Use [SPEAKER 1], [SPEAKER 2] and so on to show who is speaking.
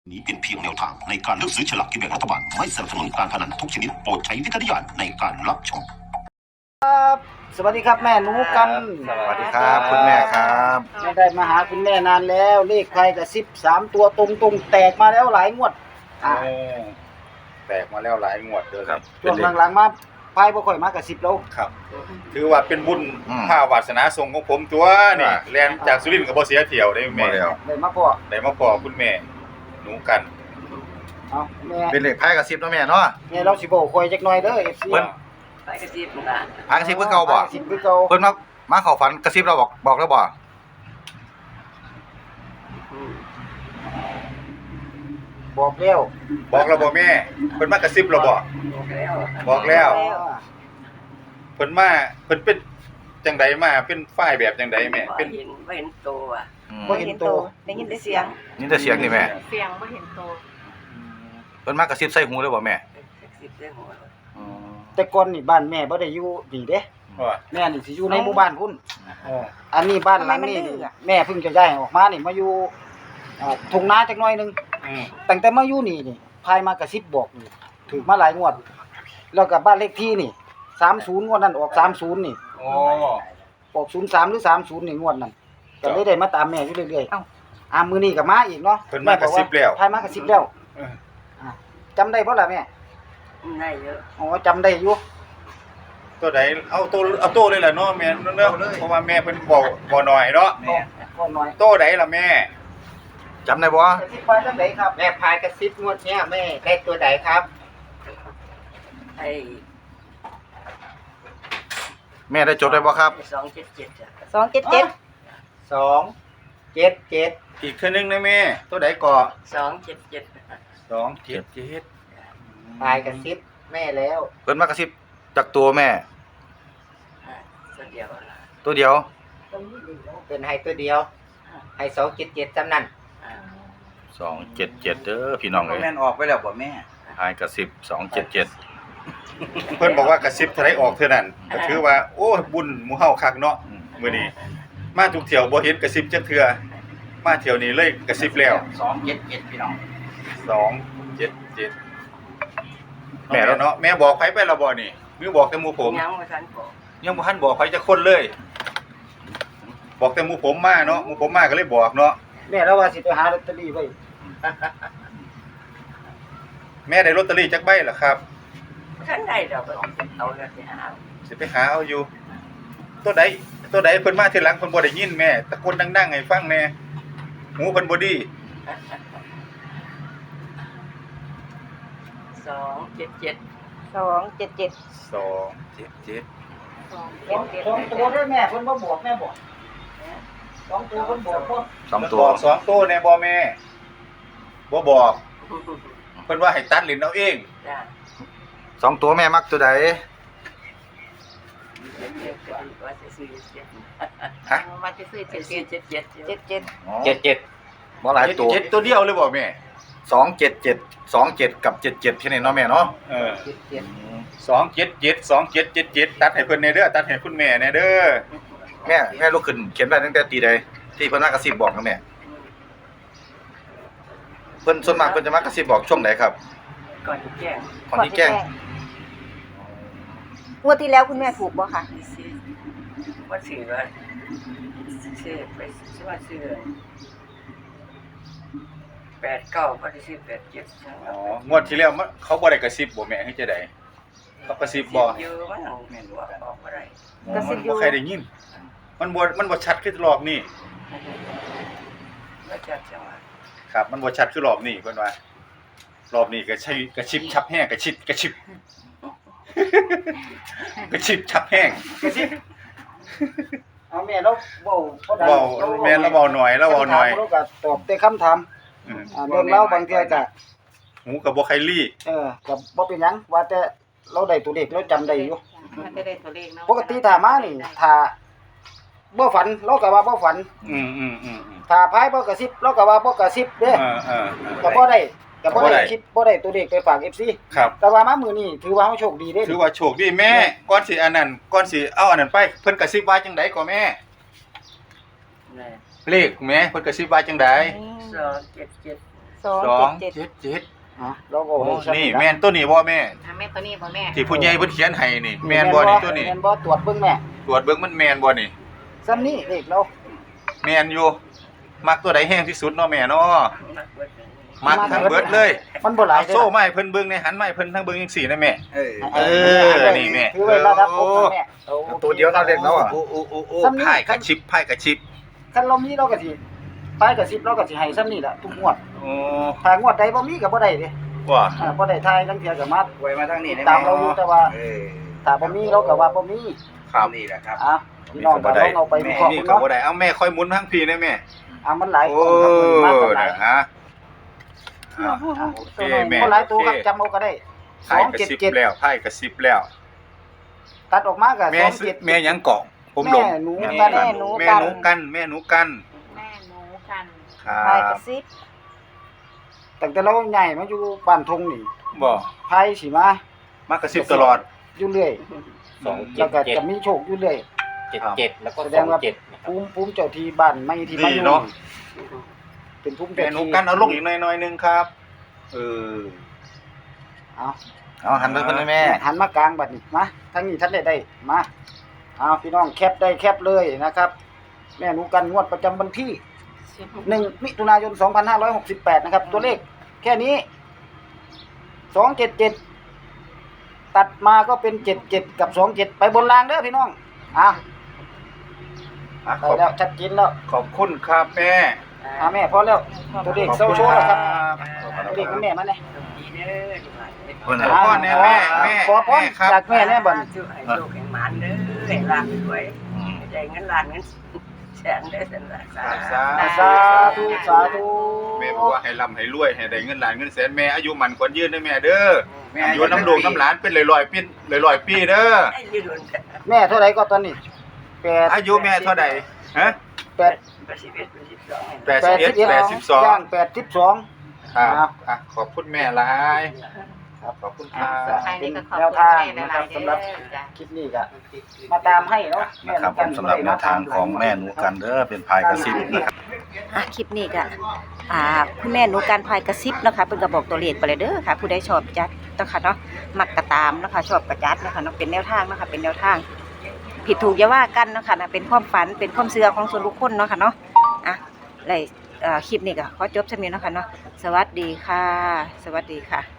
[SPEAKER 1] นี้เป็นเพียงแนวทางในการเลือกซื้อฉลากกินแบ่งรัฐบาลไม่สนับสนุนการพนันทุกชนิดโปรดใช้วิจารณญาณในการรับชม
[SPEAKER 2] สวัสดีครับแม่หนูกัน
[SPEAKER 3] สวัสดีครับคุณแม่ครับ
[SPEAKER 2] ไม่ได้มาหาคุณแม่นานแล้วเลขใครกับ13ตัวตรงๆแตกมาแล้วหลายงวด
[SPEAKER 3] แตกมาแล้วหลายงวดเด้อครับ
[SPEAKER 2] ช่วงหลังๆมาพายบ่ค่อยมากับ10แล้ว
[SPEAKER 3] ครับ ถือว่าเป็นบุญภาวาสนาทรงของผมตัวนี่แล่นจากสุรินทร์ก็บ่เสียเที่ยวได้แม่
[SPEAKER 2] ได้มาพ่อ
[SPEAKER 3] ได้มาพอคุณแม่หนูกัน
[SPEAKER 2] เอาแม่
[SPEAKER 4] เป็นเลขไพ่กับซิบเนาะแม่เนาะ
[SPEAKER 2] แม่เราสิบอกค่อยจักหน่อยเด้อ FC
[SPEAKER 4] เพิ่น
[SPEAKER 5] ไปกระซิบนะ
[SPEAKER 4] พากระซิบเพิ่นเก่าบ่
[SPEAKER 2] 10คือเก่า
[SPEAKER 4] เพิ่นมาเข้าฝันกระซิบเราบอกแล้วบ่
[SPEAKER 2] บอกแล้ว
[SPEAKER 3] บอกเราบ่แม่เพิ่นมากระซิบเราบ่
[SPEAKER 5] บอกแล้ว
[SPEAKER 3] บอกแล้วเพิ่นมาเพิ่นเป็นจังไดมาเป็นฝ่ายแบบจังไดแม่เป็น
[SPEAKER 5] ไม่เห็นตัว
[SPEAKER 2] บ่เห็นตัว
[SPEAKER 5] ได้ยินแต่เสียง
[SPEAKER 4] นี่แต่เสียงนี่แม่
[SPEAKER 6] เสียงไม่เห็นตัว
[SPEAKER 4] เพิ่นมากระซิบใส่หูเลยบ่แม่
[SPEAKER 5] กระซิบได้หัว
[SPEAKER 2] แต่ก่อนนี่บ้านแม่บ่ได้อยู่นี่เด้
[SPEAKER 3] ว่า
[SPEAKER 2] แม่นี่สิอยู่ในหมู่บ้านพุ่น
[SPEAKER 3] อ๋อ
[SPEAKER 2] อันนี้บ้านหลังนี้แม่เพิ่งจะย้ายออกมานี่มาอยู่ทุ่งนาจักหน่อยนึง
[SPEAKER 3] อืม
[SPEAKER 2] ตั้งแต่มาอยู่นี่พายมากระซิบบอกนี่ถูกมาหลายงวด แล้วก็บ้านเลขที่นี่30งวดนั้นออก30นี่
[SPEAKER 3] อ๋อ
[SPEAKER 2] ออก03หรือ30นี่งวดนั้นก็เลยได้มาตามแม่อยู่เรื่อยๆมื้อนี้ก็มาอีกเนาะ
[SPEAKER 3] เพิ่นมากระซิบแล้ว
[SPEAKER 2] พายมากระซิบแล้ว
[SPEAKER 3] เออ
[SPEAKER 2] จำได้บ่ล่ะแม่
[SPEAKER 5] ได้เยอะ
[SPEAKER 2] อ๋อจำได้อยู่
[SPEAKER 3] ตัวใดเอาตัวเลยล่ะเนาะแม่เนาะเพราะว่าแม่เพิ่นบ่น้อยเนาะ
[SPEAKER 2] ก็น้อย
[SPEAKER 3] ตัวใดล่ะแม่
[SPEAKER 4] จำได้บ่
[SPEAKER 2] กระซิบไปจังไดครับ
[SPEAKER 7] แม่พายกระซิบงวดเนี้ยแม่ได้ตัวไหนครับ
[SPEAKER 5] ไอ้
[SPEAKER 4] แม่ได้จดได้บ่ครับ
[SPEAKER 5] 277จ้ะ
[SPEAKER 6] 277
[SPEAKER 7] 277
[SPEAKER 3] อีกเทื่อนึงนะแม่ ตัวใดก่อ
[SPEAKER 5] 277
[SPEAKER 3] 277
[SPEAKER 7] พายกระซิบแม่แล้ว
[SPEAKER 4] เพิ่นมากระซิบจากตัวแม่
[SPEAKER 5] ตัวเดียว
[SPEAKER 4] ตัวเดียว
[SPEAKER 7] เป็นให้ตัวเดียวให้277จำนั่น
[SPEAKER 4] 277เด้อพี่น้องเอ้ย
[SPEAKER 7] แม่นออกไปแล้วบ่แม่
[SPEAKER 4] พายกระซิบ277
[SPEAKER 3] เพิ่นบอกว่ากระซิบเท่าไรออกเท่านั้นก็ถือว่าโอ้ยบุญหมู่เฮาคักเนาะมื้อนี้มาทุกเที่ยวบ่เห็นกระซิบจักเทื่อมาเที่ยวนี้เลยกระซิบแล้ว
[SPEAKER 7] 277พี่น้อง
[SPEAKER 3] 277แม่แล้วเนาะแม่บอกไผไปแล้วบ่นี่หรือบอกแต่หมู่ผม
[SPEAKER 5] ยังบ่ทันบอก
[SPEAKER 3] ยังบ่ทันบอกไผจักคนเลย บอกแต่หมู่ผมมาเนาะหมู่ผมมาก็เลยบอกเนาะ
[SPEAKER 2] แม่เราว่าสิไปหาลอตเตอรี่ไว้
[SPEAKER 3] แม่ได้ลอตเตอรี่จักใบล่ะครับ
[SPEAKER 5] ทันได้ดอกเอาแล้วสิหา
[SPEAKER 3] สิไปหาเอาอยู่ ตัวใดเพิ่นมาทีหลังเพิ่นบ่ได้ยินแม่ตะโกนดังๆให้ฟังแน่หูเพิ่นบ่ดี
[SPEAKER 5] 277
[SPEAKER 6] 277
[SPEAKER 3] 277
[SPEAKER 2] สองตัวด้วยแม่เพิ่นบ่บอกแม่บอกสองตัวเพิ่นบอกบ่
[SPEAKER 4] 2ตัว
[SPEAKER 3] บอกสองตัวแน่บ่แม่บ่บอกเพิ่นว่าให้ตัดลิ้นเอาเอง
[SPEAKER 5] จ้ะ
[SPEAKER 4] 2ตัวแม่มักตัวใด
[SPEAKER 5] ว่าจะซื้อ7
[SPEAKER 3] ฮะ
[SPEAKER 6] มาจะซื้อ
[SPEAKER 5] 77
[SPEAKER 6] 77
[SPEAKER 7] 77
[SPEAKER 4] บ่หลายตัว
[SPEAKER 3] เจ็ดตัวเดียวเลยบ่แม่
[SPEAKER 4] 277 27กับ77แค่นี้เนาะแม่เนาะ
[SPEAKER 3] เออ277ตัดให้เพิ่นแน่เด้อตัดให้คุณแม่แน่เด้อ
[SPEAKER 4] แม่ลุกขึ้นเขียนได้ตั้งแต่ตีใดที่เพิ่นมากระซิบบอกนะแม่เพิ่นส่วนมากเพิ่นจะมากระซิบบอกช่วงไหนครับ
[SPEAKER 5] ก่อนแจ้ง
[SPEAKER 4] ก่อนที่แจ้ง
[SPEAKER 6] งวดที่แล้วคุณแม่ถูกบ่คะ
[SPEAKER 5] ว่าซื้อว่าซื้อไปซื้อว่าซื้อ89บ่ได้ซื้อ87
[SPEAKER 3] อ๋องวดที่แล้วเขาบ่ได้กระซิบบ่แม่ให้จะได้เขากระซิบบ่
[SPEAKER 5] อยู่มันแม่นว่าออกบ่ได้
[SPEAKER 3] บ่ใครได้ยินมันบ่ชัดคือรอบนี้
[SPEAKER 5] บ่จัดจังว่า
[SPEAKER 3] ครับมันบ่ชัดคือรอบนี้เพิ่นว่ารอบนี้ก็ใช้กระชิบชับแห้งกระชิบ กระชิบชับแห้ง
[SPEAKER 2] เอาแม่เราเว้าบ่ได้
[SPEAKER 3] เว้าแม่นแล้วเว้าหน่อยแล้วเว้าหน่อย
[SPEAKER 2] เราก็ตอบแต่คำถาม
[SPEAKER 3] อืม
[SPEAKER 2] เรื่องเล่าบางเทื่อก็
[SPEAKER 3] หูก็บ่ใครลี่
[SPEAKER 2] ก็บ่เป็นหยังว่าแต่เราได้ตัวเลขเราจำได้อยู่
[SPEAKER 6] มันจะได้ตัวเลขเนาะ
[SPEAKER 2] ปกติถ้ามานี่ถ้าบ่ฝันเราก็ว่าบ่ฝัน
[SPEAKER 3] อืม
[SPEAKER 2] ถ้าพายบ่กระซิบเราก็ว่าบ่กระซิบเด้
[SPEAKER 3] เออ
[SPEAKER 2] ก็บ่ได้ก็บ่
[SPEAKER 3] บ่ได้
[SPEAKER 2] ได้คลิปบ่ได้ตัวเลขไปฝาก FC
[SPEAKER 3] ครับ
[SPEAKER 2] แต่ว่ามามื้อนี้ถือว่าเฮาโชคดีเด้
[SPEAKER 3] ถือว่าโชคดีแม่ก่อนสิอันนั้นก่อนสิเอาอันนั้นไปเพิ่นกระซิบว่าจังได๋ก็แม่
[SPEAKER 5] แม่
[SPEAKER 3] เลขแม่เพิ่นกระซิบว่าจังได๋
[SPEAKER 5] 277
[SPEAKER 2] อ๋อเราก็ให้ซ้ำ
[SPEAKER 3] นี่แม่นตัวนี้บ่แม่
[SPEAKER 6] อ่ะแม่ตัวนี้บ่แม่
[SPEAKER 3] ที่ผู้ใหญ่เพิ่นเขียนให้นี่แม่นบ่นี่ตัวนี้
[SPEAKER 2] แม่นบ่ตรวจเบิ่งแม่
[SPEAKER 3] ตรวจเบิ่งมันแม่นบ่นี่
[SPEAKER 2] ซ้ำนี้เลขเรา
[SPEAKER 3] แม่นอยู่มักตัวใดแห้งที่สุดเนาะแม่เนาะมักทั้งเบิดเลย
[SPEAKER 2] มันบ่หลาย
[SPEAKER 3] เอาโซ่ไม้เพิ่นเบิ่งในหันไม้เพิ่นทั้งเบิ่งจังซี่นะแม่
[SPEAKER 4] เออ
[SPEAKER 3] นี่แม่
[SPEAKER 2] ถือไว้ระดับผมนะแม่
[SPEAKER 4] ตัวเดียวเท่าเล็กแล้วอ่ะ
[SPEAKER 3] โอ้
[SPEAKER 2] ซ้ำนี่
[SPEAKER 3] ไพ่กระชิบไพ่กระชิบ
[SPEAKER 2] คันเรามีเราก็สิปลายกับ10เราก็สิให้ซ้ำนี้ล่ะทุกงวด
[SPEAKER 3] โอ้
[SPEAKER 2] ถ้างวดใดบ่มีก็บ่ได้เด้
[SPEAKER 3] ว่า
[SPEAKER 2] บ่ได้ทายทั้งเที่ยก็มา
[SPEAKER 4] ไว้มาทางนี้ได้
[SPEAKER 2] ตามเราอยู่แต่ว่า
[SPEAKER 4] เออ
[SPEAKER 2] ถ้าบ่มีเราก็ว่าบ่มี
[SPEAKER 3] ครับ
[SPEAKER 4] นี่แหละครับ
[SPEAKER 2] อ่ะพี่น้องก็ลองเอาไปวิเคราะห์
[SPEAKER 3] นี่
[SPEAKER 2] ดู
[SPEAKER 3] ก็
[SPEAKER 2] เนาะ
[SPEAKER 3] บ่ได้เอาแม่ค่อยหมุนทั้งพี่นะแม่
[SPEAKER 2] อ่ะมันหลาย
[SPEAKER 3] โอ้
[SPEAKER 2] คนครับมันมากันหลาย
[SPEAKER 3] นะฮะโอเคแม่
[SPEAKER 2] คนหลายตัวครับจำเอาก็ได้
[SPEAKER 3] ไพ่กระชิบ
[SPEAKER 2] 277
[SPEAKER 3] แล้วไพ่กระชิบแล้ว
[SPEAKER 2] ตัดออกมาก็
[SPEAKER 3] แม่ซื้อ
[SPEAKER 2] 27
[SPEAKER 3] แม่หยังเกาะผมหลง
[SPEAKER 2] แม่หนู
[SPEAKER 3] แม่
[SPEAKER 2] กัน
[SPEAKER 3] หนูกันแม่หนูกัน
[SPEAKER 6] แม่หนูกัน
[SPEAKER 3] ครั
[SPEAKER 6] พาย
[SPEAKER 3] บ
[SPEAKER 6] กระซิบ
[SPEAKER 2] ตั้งแต่เราใหญ่มาอยู่บ้านทงนี่
[SPEAKER 3] บ่
[SPEAKER 2] ไพ่สิมาม
[SPEAKER 3] ากระซิบตลอด
[SPEAKER 2] อยู่เรื่อย
[SPEAKER 7] 277
[SPEAKER 2] แล้วก็จะมีโชคอยู่เรื่อย
[SPEAKER 7] 77แล้วก็
[SPEAKER 2] แสดงว่า
[SPEAKER 7] 27นะครับ
[SPEAKER 2] ภูมิเจ้าที่บ้านไม่ที่มาอยู่
[SPEAKER 3] ดีเนาะ
[SPEAKER 2] เป็นภูมิ
[SPEAKER 3] แม่
[SPEAKER 2] เจ้า
[SPEAKER 3] หนู
[SPEAKER 2] ที่
[SPEAKER 3] กันเอาลงอีกหน่อยๆนึงครับเออ
[SPEAKER 2] เอา
[SPEAKER 4] เอาหันไปเพิ่นเลยแม่
[SPEAKER 2] หันมากลางบัดนี้มาทางนี้ท่านได้มาเอาพี่น้องแคปได้แคปเลยนะครับ แม่หนูกันงวดประจำวันที่ 1 มิถุนายน 2568 นะครับ ตัวเลขแค่นี้ 277 ตัดมาก็เป็น 77 กับ 27 ไปบนรางเด้อพี่น้องอ่ะ
[SPEAKER 3] อ่ะ
[SPEAKER 2] ได้แล้วชัดเจนแล้ว
[SPEAKER 3] ขอบคุณครับแม่
[SPEAKER 2] แม่พอแล้ว ตัวเลขเศร้าโชว์แล้วครับ ตัวเลขของแม่มาเนี่ย
[SPEAKER 5] ดีเด้อดีมาก
[SPEAKER 3] เพิ่นให้พ่อแน่แม่แม่
[SPEAKER 2] ขอพร
[SPEAKER 3] แม่ครับ
[SPEAKER 2] จากแม่แน่บัดนี้
[SPEAKER 5] ช่วยให้โชคแห่งหมานเด้อให้ลานรวยได้เงินล้านเงินแสนได้อสันละสา
[SPEAKER 2] สาธุสาธุ
[SPEAKER 3] แม่บอกว่าให้ร่ำให้รวยให้ได้เงินล้านเงินแสนแม่อายุมันควรยืนเด้อแม่เด้อ
[SPEAKER 4] แม่
[SPEAKER 3] อยู่น้ำลูกน้ำหลานเป็นร้อยๆปี100 ปีเด้อ
[SPEAKER 5] ได้ยืน
[SPEAKER 2] แม่เท่าไหร่ก็ตอนนี้8
[SPEAKER 3] อายุแม่เท่าใดฮะ
[SPEAKER 2] 8
[SPEAKER 3] 81
[SPEAKER 2] ย่าง
[SPEAKER 3] 82
[SPEAKER 2] 82
[SPEAKER 3] ครับอ่ะขอบคุณแม่หลายครับขอบคุณครับ
[SPEAKER 6] ท้ายนี้ก็ขอบ
[SPEAKER 2] แนว
[SPEAKER 6] คุณ
[SPEAKER 2] ทาง
[SPEAKER 6] แม่
[SPEAKER 2] นะ
[SPEAKER 6] ห
[SPEAKER 2] ครั
[SPEAKER 6] ลา
[SPEAKER 2] บ
[SPEAKER 6] ยๆ
[SPEAKER 2] สำหรับ
[SPEAKER 6] เด้อจ้ะ
[SPEAKER 2] คลิปนี้ก็มาตามให้เนาะแม่
[SPEAKER 4] นะครับผมสำหรับแนวทางของแม่หนูกันเด้อเป็นพายกระซิบนะครับ
[SPEAKER 6] คลิปนี้ก็คุณแม่หนูการพายกระซิบนะคะเพิ่นก็บอกตัวเลขไปเลยเด้อค่ะ ผู้ใดชอบจัดนะคะเนาะมักกระตามนะคะชอบกระจัดนะคะเนาะเป็นแนวทางนะคะเป็นแนวทาง ผิดถูกอย่าว่ากันเนาะค่ะนะเป็นความฝันเป็นความเชื่อของส่วนบุคคลเนาะค่ะเนาะคลิปนี้ก็ขอจบเท่านี้เนาะค่ะเนาะสวัสดีค่ะ สวัสดีค่ะ